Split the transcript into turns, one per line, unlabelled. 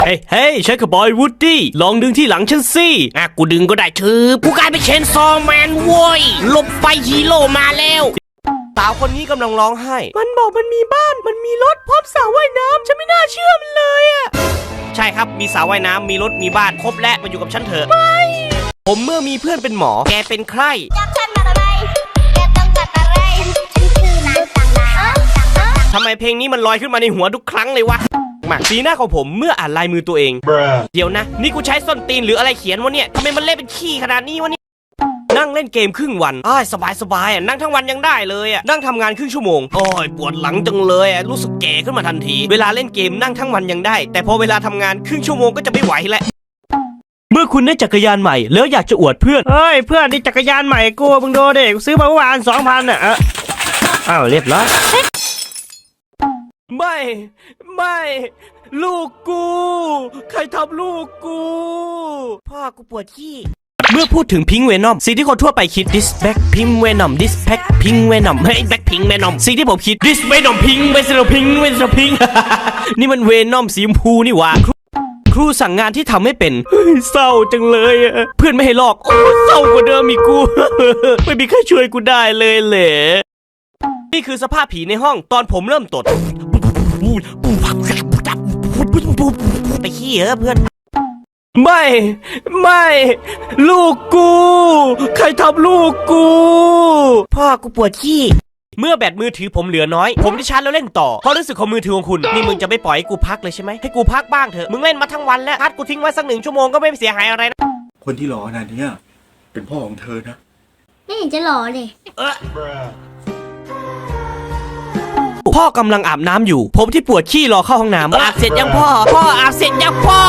เฮ้ยฉันกับบอยวูดดี้ลองดึงที่หลังฉันสิ
กูดึงก็ได้กูกลายเป็นเชนซอแมนโว้ยหลบไปฮีโร่มาแล้ว
สาวคนนี้กำลังร้องไห้มันบอกมันมีบ้านมันมีรถพร้อมสระว่ายน้ำฉันไม่น่าเชื่อมันเลยอะ
ใช่ครับมีสระว่ายน้ำมีรถมีบ้านครบและมาอยู่กับฉันเถอะ
ไม่ผมเมื่อมีเพื่อนเป็นหมอ
แกเป็นใคร
จับฉันมาอะไรแกต้องการอะไรฉันคือนางต่างดาว
ทำไมเพลงนี้มันลอยขึ้นมาในหัวทุกครั้งเลยวะ
สีหน้าของผมเมื่ออ่านลายมือตัวเอง
เดี๋ยวนะนี่กูใช้ส้นตีนหรืออะไรเขียนวะเนี่ยทำไมมันเละเป็นขี้ขนาดนี้วะเนี่ย
นั่งเล่นเกมครึ่งวัน
สบายนั่งทั้งวันยังได้เลย
นั่งทำงานครึ่งชั่วโมง
ปวดหลังจังเลยรู้สึกแก่ขึ้นมาทันที
เวลาเล่นเกมนั่งทั้งวันยังได้แต่พอเวลาทำงานครึ่งชั่วโมงก็จะไม่ไหวแล้วเมื่อคุณได้จักรยานใหม่แล้วอยากจะอวดเพื่อน
เพื่อนนี่จักรยานใหม่กูมึงโดเด็กซื้อมาเมื่อวาน 2,000 เรียบร้อย
ไม่ลูกกูใครทำลูกกู
พ่อกูปวดขี้
เมื่อพูดถึงพิงค์เวนอมสิ่งที่คนทั่วไปคิด this back pink venom this pack pink venom
เฮ้ย back pink venom
สิ่งที่ผมคิด this venom pink venom pink venom pink นี่มันเวนอมสีชมพูนี่หว่าครูสั่งงานที่ทำไม่เป็นเศร้าจังเลยเพื่อนไม่ให้ลอกเศร้ากว่าเดิมอีกกูไม่มีใครช่วยกูได้เลยเหละนี่คือสภาพผีในห้องตอนผมเริ่มตด
ไปขี้เพื่อน
ไม่ลูกกูใครทำลูกกู
พ่อกูปวดขี้
เมื่อแบตมือถือผมเหลือน้อยผมได้ชาร์จแล้วเล่นต่อเพราะรู้สึกของมือถือของคุณนี่มึงจะไม่ปล่อยให้กูพักเลยใช่ไหมให้กูพักบ้างเถอะ
มึงเล่นมาทั้งวันแล้วชาร์จกูทิ้งไว้สัก1 ชั่วโมงก็ไม่เสียหายอะไรนะ
คนที่หล่อขนาดนี้เป็นพ่อของเธอนะ
ไม่เห็นจะหล่อเลย
พ่อกำลังอาบน้ำอยู่ผมที่ปวดขี้รอเข้าห้องน้ำ
อาบเสร็จยังพ่ออาบเสร็จยังพ่อ